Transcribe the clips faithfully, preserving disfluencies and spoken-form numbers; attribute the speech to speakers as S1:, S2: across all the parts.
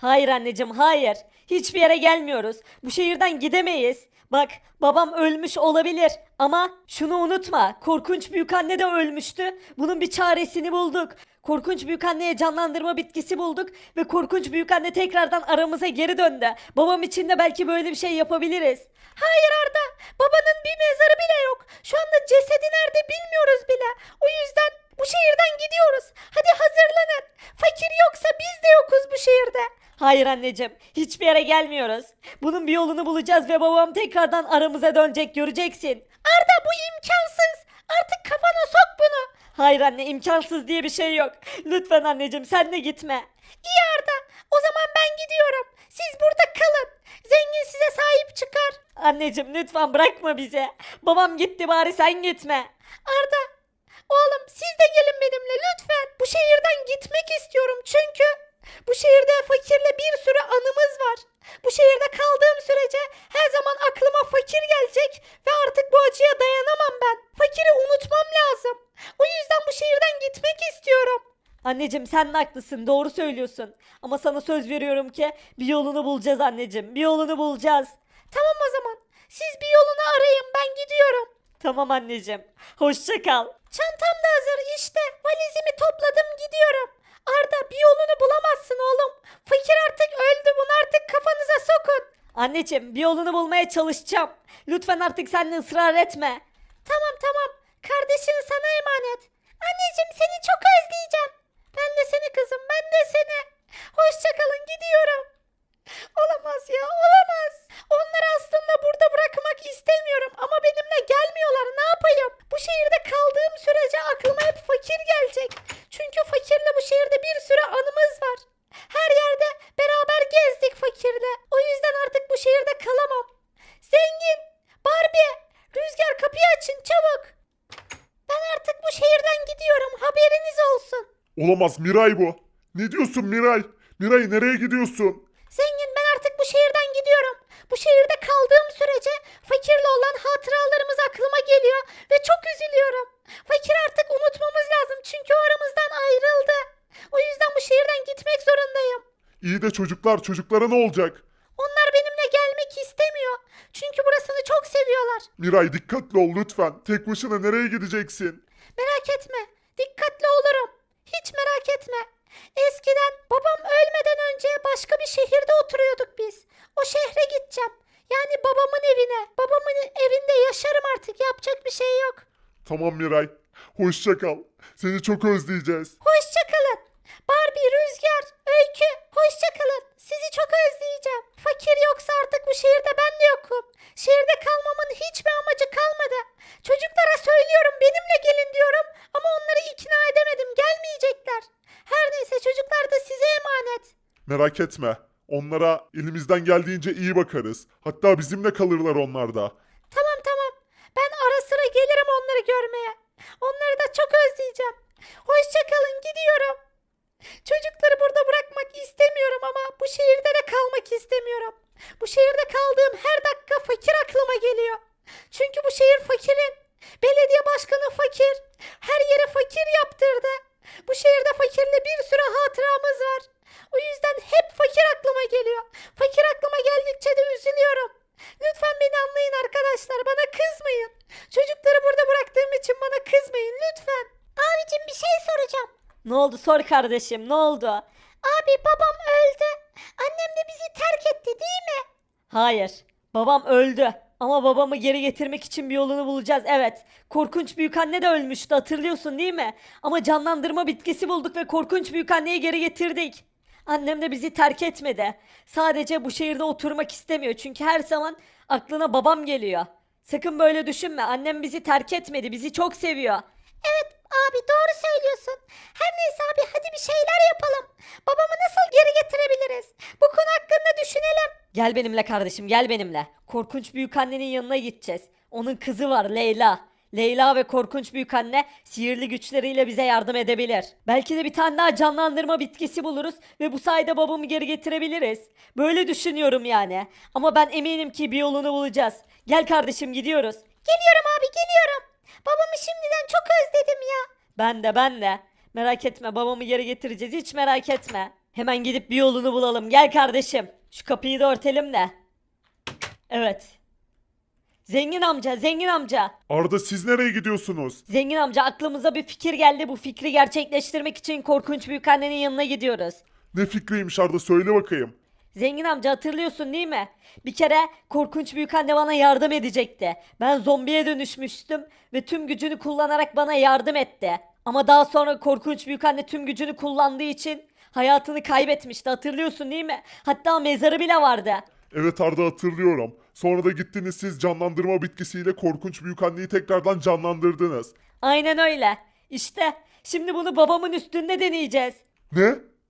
S1: Hayır anneciğim, hayır. Hiçbir yere gelmiyoruz. Bu şehirden gidemeyiz. Bak, babam ölmüş olabilir ama şunu unutma. Korkunç büyükanne de ölmüştü. Bunun bir çaresini bulduk. Korkunç büyükanneye canlandırma bitkisi bulduk ve korkunç büyükanne tekrardan aramıza geri döndü. Babam için de belki böyle bir şey yapabiliriz. Hayır Arda, babanın bir mezarı bile yok. Şu anda cesedi nerede bilmiyoruz bile. O yüzden bu şehirden gidiyoruz. Hadi hazırlanın. Fakir yoksa biz de yokuz bu şehirde. Hayır anneciğim, hiçbir yere gelmiyoruz. Bunun bir yolunu bulacağız ve babam tekrardan aramıza dönecek, göreceksin. Arda, bu imkansız. Artık kafana sok bunu. Hayır anne, imkansız diye bir şey yok. Lütfen anneciğim, sen de gitme. İyi Arda, o zaman ben gidiyorum. Siz burada kalın. Zengin size sahip çıkar. Anneciğim lütfen bırakma bizi. Babam gitti, bari sen gitme. Arda, oğlum siz de gelin benimle lütfen. Bu şehirden gitmek istiyorum çünkü bu şehirde fakirle bir sürü anımız var. Bu şehirde kaldığım sürece her zaman aklıma fakir gelecek ve artık bu acıya dayanamam ben. Fakiri unutmam lazım. O yüzden bu şehirden gitmek istiyorum. Anneciğim sen de haklısın, doğru söylüyorsun. Ama sana söz veriyorum ki bir yolunu bulacağız anneciğim, bir yolunu bulacağız. Tamam o zaman. Siz bir yolunu arayın, ben gidiyorum. Tamam anneciğim. Hoşça kal. Çantam da hazır işte. Valizimi topladım, gidiyorum. Arda, bir yolunu bulamazsın oğlum. Fakir artık öldü, bunu artık kafanıza sokun. Anneciğim bir yolunu bulmaya çalışacağım. Lütfen artık sen de ısrar etme. Tamam tamam. Kardeşin sana emanet. Anneciğim seni çok özleyeceğim. Ben de seni kızım, ben de seni. Hoşça kalın, gidiyorum. Olamaz ya, olamaz. Onları aslında burada bırakmak istemiyorum ama benimle gelmiyorlar. Ne yapayım? Bu şehirde kaldığım sürece aklıma hep fakir gelecek. Çünkü fakirle bu şehirde bir sürü anımız var. Her yerde beraber gezdik fakirle. O yüzden artık bu şehirde kalamam. Zengin, Barbie, Rüzgar, kapıyı açın çabuk. Ben artık bu şehirden gidiyorum. Haberiniz olsun.
S2: Olamaz, Miray bu. Ne diyorsun Miray? Miray nereye gidiyorsun?
S1: Zengin, ben artık bu şehirden gidiyorum. Bu şehirde kaldığım sürece fakirle olan hatıralarımız aklıma geliyor ve çok üzülüyorum. Fakir artık unutmamız lazım çünkü o aramızdan ayrıldı. O yüzden bu şehirden gitmek zorundayım.
S2: İyi de çocuklar, çocuklara ne olacak?
S1: Onlar benimle gelmek istemiyor. Çünkü burasını çok seviyorlar.
S2: Miray dikkatli ol lütfen. Tek başına nereye gideceksin?
S1: Merak etme. Dikkatli olurum. Hiç merak etme. Eskiden babam ölmeden önce başka bir şehirde oturuyorduk biz. O şehre gideceğim. Yani babamın evine. Babamın evinde yaşarım artık. Yapacak bir şey yok.
S2: Tamam Miray. Hoşça kal. Seni çok özleyeceğiz.
S1: Hoşça kalın. Barbie, Rüzgar, Öykü, hoşça kalın. Sizi çok özleyeceğim. Fakir yoksa artık bu şehirde ben de yokum. Şehirde kalmamın hiçbir amacı kalmadı. Çocuklara söylüyorum benimle gelin diyorum ama onları ikna edemedim, gelmeyecekler. Her neyse çocuklar da size emanet.
S2: Merak etme. Onlara elimizden geldiğince iyi bakarız. Hatta bizimle kalırlar onlar da.
S1: Tamam tamam. Ben ara sıra gelirim onları görmeye. Onları da çok özleyeceğim. Hoşça kalın, gidiyorum. Çocukları burada bırakmak istemiyorum ama bu şehirde de kalmak istemiyorum. Bu şehirde kaldığım her dakika fakir aklıma geliyor. Çünkü bu şehir fakirin. Belediye başkanı fakir. Her yere fakir yaptırdı. Bu şehirde fakirle bir sürü hatıramız var. O yüzden hep fakir aklıma geliyor. Fakir aklıma geldikçe de üzülüyorum. Lütfen beni anlayın arkadaşlar, bana kızmayın. Çocukları burada bıraktığım için bana kızmayın lütfen. Abicim bir şey soracağım. Ne oldu, sor kardeşim, ne oldu? Abi babam öldü. Annem de bizi terk etti değil mi? Hayır, babam öldü. Ama babamı geri getirmek için bir yolunu bulacağız, evet. Korkunç büyükanne de ölmüştü, hatırlıyorsun değil mi? Ama canlandırma bitkisi bulduk ve korkunç büyükanneyi geri getirdik. Annem de bizi terk etmedi. Sadece bu şehirde oturmak istemiyor çünkü her zaman aklına babam geliyor. Sakın böyle düşünme. Annem bizi terk etmedi. Bizi çok seviyor. Evet abi, doğru söylüyorsun. Her neyse abi, hadi bir şeyler yapalım. Babamı nasıl geri getirebiliriz? Bu konu hakkında düşünelim. Gel benimle kardeşim, gel benimle. Korkunç büyükannenin yanına gideceğiz. Onun kızı var, Leyla. Leyla ve korkunç büyükanne sihirli güçleriyle bize yardım edebilir. Belki de bir tane daha canlandırma bitkisi buluruz ve bu sayede babamı geri getirebiliriz. Böyle düşünüyorum yani. Ama ben eminim ki bir yolunu bulacağız. Gel kardeşim, gidiyoruz. Geliyorum abi, geliyorum. Babamı şimdiden çok özledim ya. Ben de ben de. Merak etme, babamı geri getireceğiz, hiç merak etme. Hemen gidip bir yolunu bulalım. Gel kardeşim. Şu kapıyı da örtelim de. Evet. Zengin amca, zengin amca.
S2: Arda siz nereye gidiyorsunuz?
S1: Zengin amca aklımıza bir fikir geldi. Bu fikri gerçekleştirmek için korkunç büyükannenin yanına gidiyoruz.
S2: Ne fikriymiş Arda söyle bakayım.
S1: Zengin amca hatırlıyorsun değil mi? Bir kere korkunç büyükanne bana yardım edecekti. Ben zombiye dönüşmüştüm ve tüm gücünü kullanarak bana yardım etti. Ama daha sonra korkunç büyükanne tüm gücünü kullandığı için hayatını kaybetmişti. Hatırlıyorsun değil mi? Hatta mezarı bile vardı.
S2: Evet Arda hatırlıyorum. Sonra da gittiniz siz canlandırma bitkisiyle korkunç büyükanneyi tekrardan canlandırdınız.
S1: Aynen öyle. İşte şimdi bunu babamın üstünde deneyeceğiz.
S2: Ne?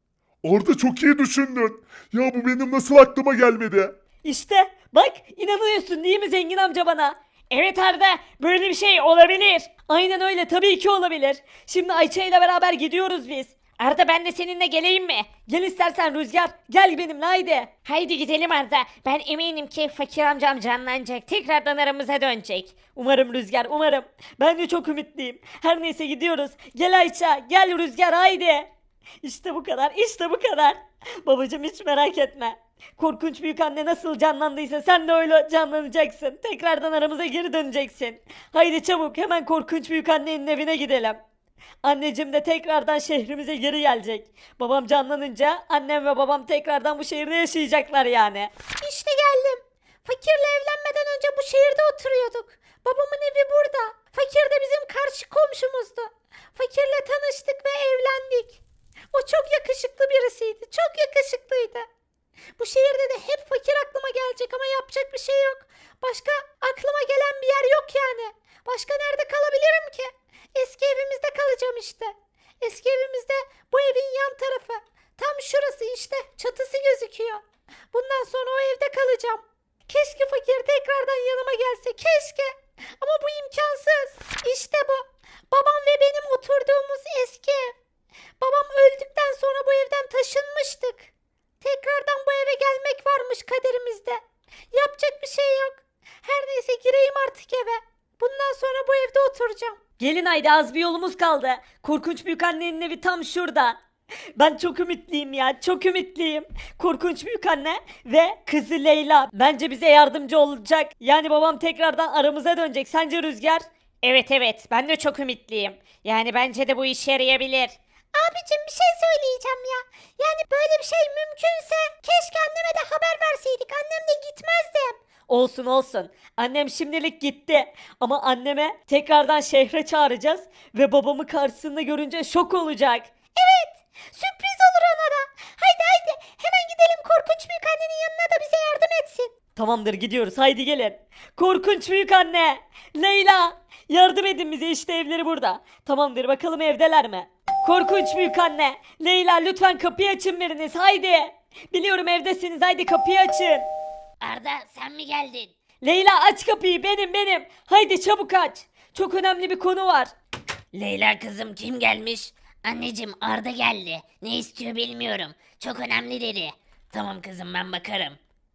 S2: Arda çok iyi düşündün. Ya bu benim nasıl aklıma gelmedi?
S1: İşte bak inanıyorsun değil mi zengin amca bana? Evet Arda böyle bir şey olabilir. Aynen öyle tabii ki olabilir. Şimdi Ayça ile beraber gidiyoruz biz. Arda ben de seninle geleyim mi? Gel istersen Rüzgar. Gel benimle haydi.
S3: Haydi gidelim Arda. Ben eminim ki fakir amcam canlanacak. Tekrardan aramıza dönecek.
S1: Umarım Rüzgar umarım. Ben de çok ümitliyim. Her neyse gidiyoruz. Gel Ayça gel Rüzgar haydi. İşte bu kadar işte bu kadar. Babacım hiç merak etme. Korkunç büyük anne nasıl canlandıysa sen de öyle canlanacaksın. Tekrardan aramıza geri döneceksin. Haydi çabuk hemen korkunç büyük annenin evine gidelim. Anneciğim de tekrardan şehrimize geri gelecek. Babam canlanınca annem ve babam tekrardan bu şehirde yaşayacaklar yani.
S3: İşte geldim. Fakirle evlenmeden önce bu şehirde oturuyorduk. Babamın evi burada. Fakir de bizim karşı komşumuzdu. Fakirle tanıştık ve evlendik. O çok yakışıklı birisiydi. Çok yakışıklıydı. Bu şehirde de hep fakir aklıma gelecek ama yapacak bir şey yok. Başka aklıma gelen bir yer yok yani. Başka nerede kalabilirim ki? Eski evimizde kalacağım işte. Eski evimizde bu evin yan tarafı. Tam şurası işte. Çatısı gözüküyor. Bundan sonra o evde kalacağım. Keşke fakir tekrardan yanıma gelse. Keşke. Ama bu imkansız. İşte bu. Babam ve benim oturduğumuz eski ev. Babam öldükten sonra bu evden taşınmıştık. Tekrardan bu eve gelmek varmış kaderimizde. Yapacak bir şey yok. Her neyse gireyim artık eve. Bundan sonra bu evde oturacağım.
S1: Gelin haydi az bir yolumuz kaldı. Korkunç büyük annenin evi tam şurada. Ben çok ümitliyim ya çok ümitliyim. Korkunç büyük anne ve kızı Leyla bence bize yardımcı olacak. Yani babam tekrardan aramıza dönecek. Sence Rüzgar?
S3: Evet evet ben de çok ümitliyim. Yani bence de bu işe yarayabilir. Abicim bir şey söyleyeceğim ya. Yani böyle bir şey mümkünse keşke anneme de haber verseydik. Annem de gitmezdim.
S1: Olsun olsun. Annem şimdilik gitti. Ama anneme tekrardan şehre çağıracağız. Ve babamı karşısında görünce şok olacak.
S3: Evet sürpriz olur ona da. Haydi haydi hemen gidelim korkunç büyük annenin yanına da bize yardım etsin.
S1: Tamamdır gidiyoruz haydi gelin. Korkunç büyük anne. Leyla. Yardım edin bize işte evleri burada. Tamamdır bakalım evdeler mi? Korkunç büyük anne. Leyla lütfen kapıyı açın biriniz haydi. Biliyorum evdesiniz haydi kapıyı açın.
S3: Arda sen mi geldin?
S1: Leyla aç kapıyı benim benim. Haydi çabuk aç. Çok önemli bir konu var.
S3: Leyla kızım kim gelmiş? Anneciğim Arda geldi. Ne istiyor bilmiyorum. Çok önemli dedi. Tamam kızım ben bakarım.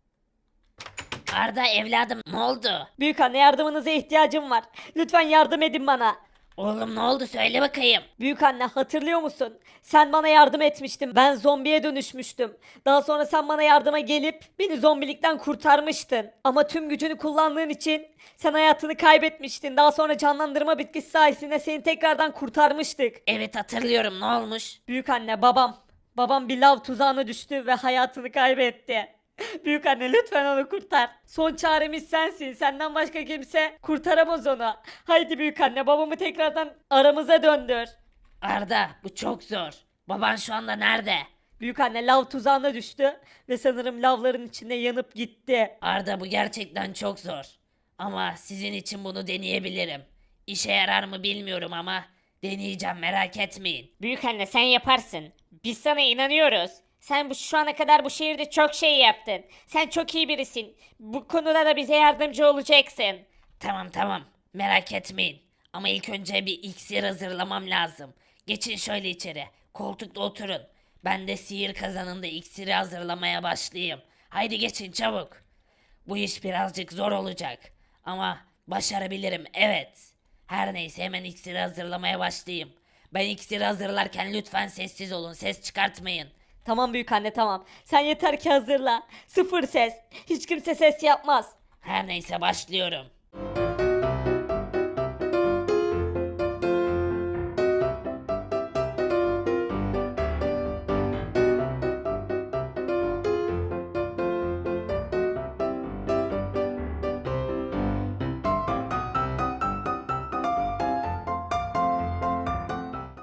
S3: Arda evladım ne oldu?
S1: Büyük anne yardımınıza ihtiyacım var. Lütfen yardım edin bana.
S3: Oğlum ne oldu söyle bakayım.
S1: Büyük anne hatırlıyor musun? Sen bana yardım etmiştin. Ben zombiye dönüşmüştüm. Daha sonra sen bana yardıma gelip beni zombilikten kurtarmıştın. Ama tüm gücünü kullandığın için sen hayatını kaybetmiştin. Daha sonra canlandırma bitkisi sayesinde seni tekrardan kurtarmıştık.
S3: Evet hatırlıyorum ne olmuş?
S1: Büyük anne babam. Babam bir lav tuzağına düştü ve hayatını kaybetti. Büyük anne lütfen onu kurtar. Son çaremiz sensin. Senden başka kimse kurtaramaz onu. Haydi büyük anne babamı tekrardan aramıza döndür.
S3: Arda bu çok zor. Baban şu anda nerede?
S1: Büyük anne lav tuzağına düştü ve sanırım lavların içinde yanıp gitti.
S3: Arda bu gerçekten çok zor. Ama sizin için bunu deneyebilirim. İşe yarar mı bilmiyorum ama deneyeceğim merak etmeyin.
S4: Büyük anne sen yaparsın. Biz sana inanıyoruz. Sen bu şu ana kadar bu şehirde çok şey yaptın. Sen çok iyi birisin. Bu konuda da bize yardımcı olacaksın.
S3: Tamam tamam merak etmeyin. Ama ilk önce bir iksir hazırlamam lazım. Geçin şöyle içeri. Koltukta oturun. Ben de sihir kazanında iksiri hazırlamaya başlayayım. Haydi geçin çabuk. Bu iş birazcık zor olacak. Ama başarabilirim evet. Her neyse hemen iksiri hazırlamaya başlayayım. Ben iksiri hazırlarken lütfen sessiz olun. Ses çıkartmayın.
S1: Tamam büyük anne tamam. Sen yeter ki hazırla. Sıfır ses. Hiç kimse ses yapmaz.
S4: Her neyse başlıyorum.